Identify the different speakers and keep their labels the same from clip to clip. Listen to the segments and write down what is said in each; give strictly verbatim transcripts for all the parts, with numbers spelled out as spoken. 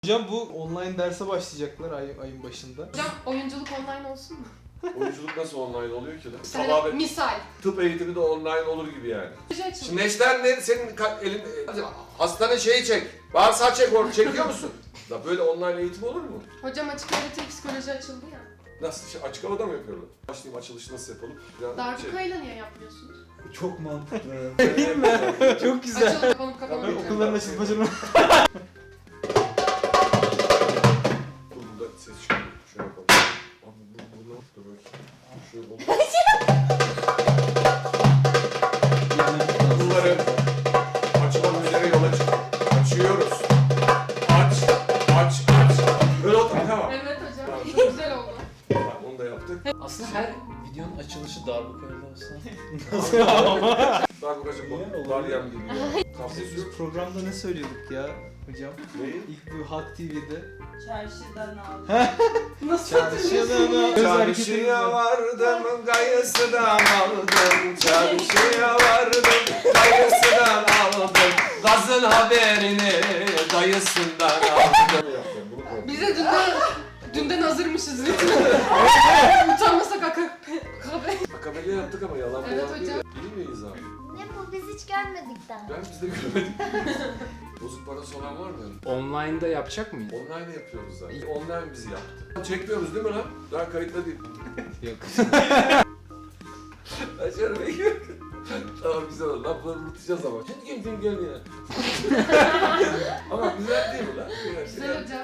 Speaker 1: Hocam bu online derse başlayacaklar ay, ayın başında.
Speaker 2: Hocam oyunculuk online olsun mu?
Speaker 3: Oyunculuk nasıl online oluyor ki lan?
Speaker 2: Mesela
Speaker 3: Tamamen
Speaker 2: misal.
Speaker 3: tıp eğitimi de online olur gibi yani.
Speaker 2: Proje açıldı.
Speaker 3: Şimdi Neşter ne? Senin ka- elin... Hastane şeyi çek. Bağırsağı çek orada. Çekiyor musun? Da böyle online eğitim olur mu?
Speaker 2: Hocam açık öğretim psikoloji açıldı ya.
Speaker 3: Nasıl? Şey, açık havada mı yapıyorlar? Başlayayım, açılışı nasıl yapalım? Biraz
Speaker 2: Darbukayla niye yapmıyorsunuz?
Speaker 4: Çok mantıklı.
Speaker 1: Değil mi? Çok güzel.
Speaker 2: Açıldı kapanıp kapanıp.
Speaker 3: Tabii,
Speaker 1: Okulların açılmasını...
Speaker 3: Dur burada ses çıkıyor. Şöyle yapalım. Abi bu, bu ne? Dur bakayım. Şöyle olur. Bunları açmak üzere yola çık. Açıyoruz. Aç, aç, aç. Böyle oldu mu? Tamam.
Speaker 2: Evet hocam.
Speaker 3: Tamam.
Speaker 2: Çok güzel oldu.
Speaker 3: Tamam, onu da yaptık.
Speaker 4: Aslında her videonun açılışı darbukayla olsa.
Speaker 3: Darbukacı
Speaker 4: Niye?
Speaker 3: bu. Daryam gibi ya. Kapsız
Speaker 1: Biz
Speaker 3: yok.
Speaker 1: programda ne söylüyorduk ya hocam?
Speaker 3: Neyi?
Speaker 1: İlk bu Halk T V'de.
Speaker 5: Çarşıdan aldım.
Speaker 2: Nasıl
Speaker 1: Çarşıdan
Speaker 3: Çarşıya vardım, gayısından aldım. Çarşıya vardım, gayısından aldım. Gazın haberini dayısından aldım.
Speaker 2: Bize dünden, dünden hazırmışız lütfen. Utanmasak akak.
Speaker 3: Akabeli yaptık ama yalan
Speaker 2: Evet
Speaker 3: falan değil.
Speaker 2: hocam.
Speaker 3: İyi miyiz abi?
Speaker 5: Ne bu biz hiç görmedik daha.
Speaker 3: Ben biz de görmedik. Bozuk parası olan var mı?
Speaker 6: Online'da yapacak mıyız?
Speaker 3: Online yapıyoruz zaten. Online bizi yaptı. Çekmiyoruz değil mi lan? Daha kayıtlı değil.
Speaker 6: Yok.
Speaker 3: Açarım Ege. Tamam güzel oldu. Lafları unutacağız ama. Şimdi kim kim gel ya. Ama güzel değil mi lan?
Speaker 2: Güzel hocam.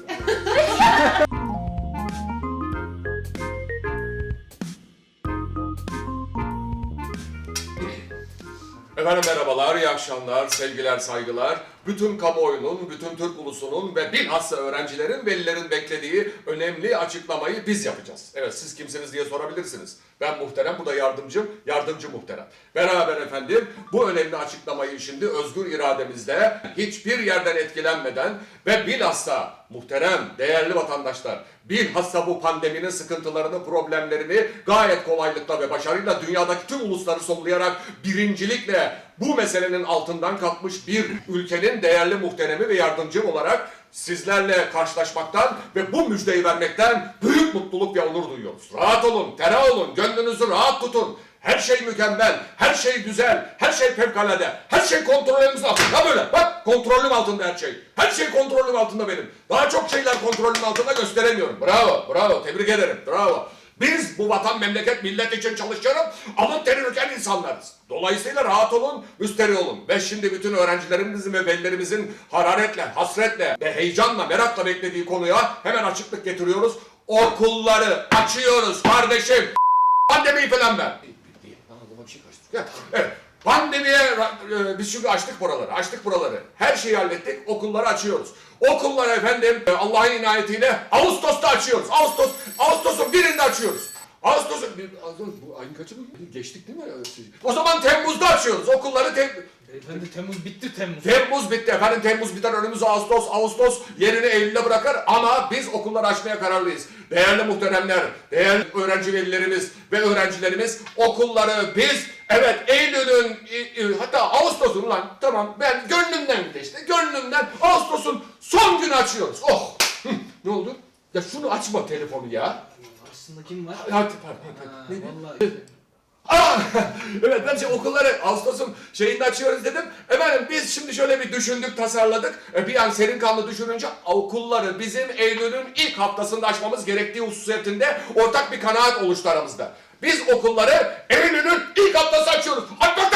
Speaker 3: Efendim merhabalar, iyi akşamlar, sevgiler, saygılar. Bütün kamuoyunun, bütün Türk ulusunun ve bilhassa öğrencilerin, velilerin beklediği önemli açıklamayı biz yapacağız. Evet, siz kimsiniz diye sorabilirsiniz. Ben muhterem, bu da yardımcım, yardımcı muhterem. Beraber efendim bu önemli açıklamayı şimdi özgür irademizle, hiçbir yerden etkilenmeden ve bilhassa muhterem, değerli vatandaşlar, bilhassa bu pandeminin sıkıntılarını, problemlerini gayet kolaylıkla ve başarıyla dünyadaki tüm ulusları sollayarak birincilikle bu meselenin altından kalkmış bir ülkenin değerli muhteremi ve yardımcım olarak sizlerle karşılaşmaktan ve bu müjdeyi vermekten büyük mutluluk ve onur duyuyoruz. Rahat olun, ferah olun, gönlünüzü rahat tutun. Her şey mükemmel, her şey güzel, her şey fevkalade, her şey kontrolümüzün altında. Böyle bak, kontrolüm altında her şey. Her şey kontrolüm altında benim. Daha çok şeyler kontrolüm altında gösteremiyorum. Bravo, bravo, tebrik ederim, bravo. Biz bu vatan, memleket, millet için çalışıyorum, alın teri döken insanlarız. Dolayısıyla rahat olun, müsterih olun. Ve şimdi bütün öğrencilerimizin ve velilerimizin hararetle, hasretle ve heyecanla, merakla beklediği konuya hemen açıklık getiriyoruz. Okulları açıyoruz kardeşim. Pandemiyi falan ben. Anladım, bir şey kaçtı. Evet. Pandemiye e, biz çünkü açtık buraları, açtık buraları. Her şeyi hallettik, okulları açıyoruz. Okulları efendim Allah'ın inayetiyle Ağustos'ta açıyoruz. Ağustos, Ağustos'un birinde açıyoruz. Ağustos'un, bu ayın kaçı mı? Geçtik değil mi? O zaman Temmuz'da açıyoruz. Okulları tem
Speaker 1: Efendim Temmuz bitti Temmuz.
Speaker 3: Temmuz bitti efendim. Temmuz biter, önümüz Ağustos. Ağustos yerini Eylül'e bırakır ama biz okulları açmaya kararlıyız. Değerli muhteremler, değerli öğrenci velilerimiz ve öğrencilerimiz, okulları biz evet Eylül'ün hatta Ağustos'un lan tamam ben gönlümden işte gönlümden Ağustos'un son günü açıyoruz. Oh! Hı, ne oldu? Ya şunu açma telefonu ya.
Speaker 1: Aslında kim var?
Speaker 3: Hadi pardon.
Speaker 1: Ha,
Speaker 3: Ne?
Speaker 1: vallahi.
Speaker 3: Aa! Evet ben şey, okulları Ağustos'un şeyinde açıyoruz dedim. Efendim biz şimdi şöyle bir düşündük, tasarladık. E, bir an serin kanlı düşününce okulları bizim Eylül'ün ilk haftasında açmamız gerektiği hususiyetinde ortak bir kanaat oluştu aramızda. Biz okulları Eylül'ün ilk haftası açıyoruz. Aç bak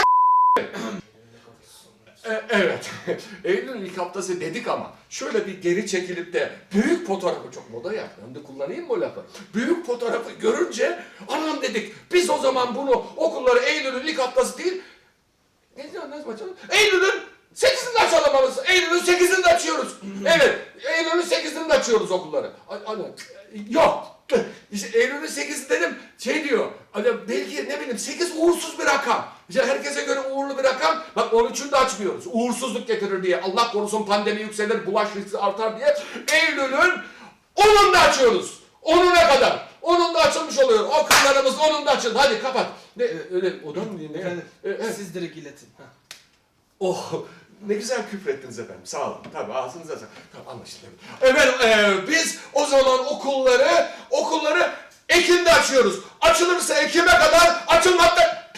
Speaker 3: e, evet. Eylül'ün ilk haftası dedik ama şöyle bir geri çekilip de büyük fotoğrafı çok moda ya. Ben de kullanayım mı o lafı? Büyük fotoğrafı görünce anam dedik. Biz o zaman bunu okulları Eylül'ün ilk haftası değil. Ne diyorsun? Nasıl açalım? Eylül'ün sekizinde açalım anasını. Eylül'ün sekizinde açıyoruz. Evet. Eylül'ün sekizinde açıyoruz okulları. Ana. Yok. İşte Eylül'ün sekizi dedim. Şey diyor. Hani belki ne bileyim sekiz uğursuz bir rakam. İşte herkese göre uğurlu bir rakam. Bak on üçünde açmıyoruz. Uğursuzluk getirir diye. Allah korusun pandemi yükselir, bulaş riski artar diye. Eylül'ün onunda açıyoruz. Onuna kadar. Onunda açılmış oluyor. Okullarımız onunda açıldı. Hadi kapat. Ne öyle odan mı diye ne?
Speaker 1: Efendim
Speaker 3: E, e.
Speaker 1: siz direkt iletin. Ha.
Speaker 3: Oh Ne güzel küfrettiniz efendim. Sağ olun. Tabii ağzınıza sağlık. Tamam anlaşıldı. Efendim e, biz o zaman okulları, okulları Ekim'de açıyoruz. Açılırsa Ekim'e kadar açılmakta...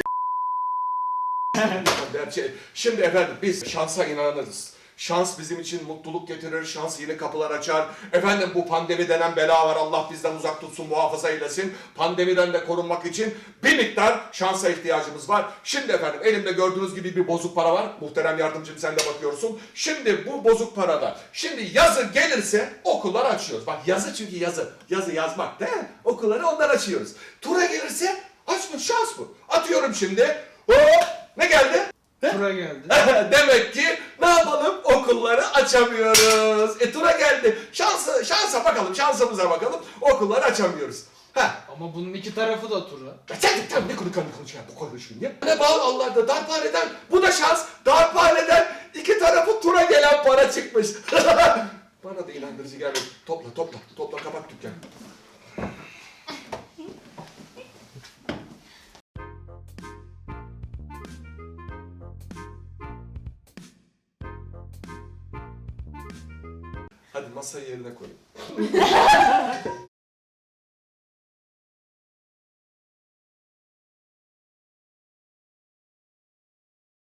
Speaker 3: Şimdi efendim biz şansa inanırız. Şans bizim için mutluluk getirir, şans yeni kapılar açar. Efendim bu pandemi denen bela var, Allah bizden uzak tutsun, muhafaza eylesin. Pandemiden de korunmak için bir miktar şansa ihtiyacımız var. Şimdi efendim elimde gördüğünüz gibi bir bozuk para var. Muhterem yardımcım sen de bakıyorsun. Şimdi bu bozuk parada, şimdi yazı gelirse okullar açıyoruz. Bak yazı çünkü yazı, yazı yazmak değil mi? Okulları ondan açıyoruz. Tura gelirse açmış şans bu. Atıyorum şimdi. Hop ne geldi?
Speaker 1: Tura geldi.
Speaker 3: Demek ki ne yapalım? Okulları açamıyoruz. E tura geldi. Şansa, şansa bakalım, şansımıza bakalım. Okulları açamıyoruz. Ha.
Speaker 1: Ama bunun iki tarafı da tura.
Speaker 3: Ya sen sen ne konu konu konuşuyor bu konuşuyorsun ya? Ne bağlı Allah'da darphaneden bu da şans. Darphaneden iki tarafı tura gelen para çıkmış. Bana da inandırıcı gelmedi. Topla topla topla kapat dükkanı. Hadi masayı yerine koyun.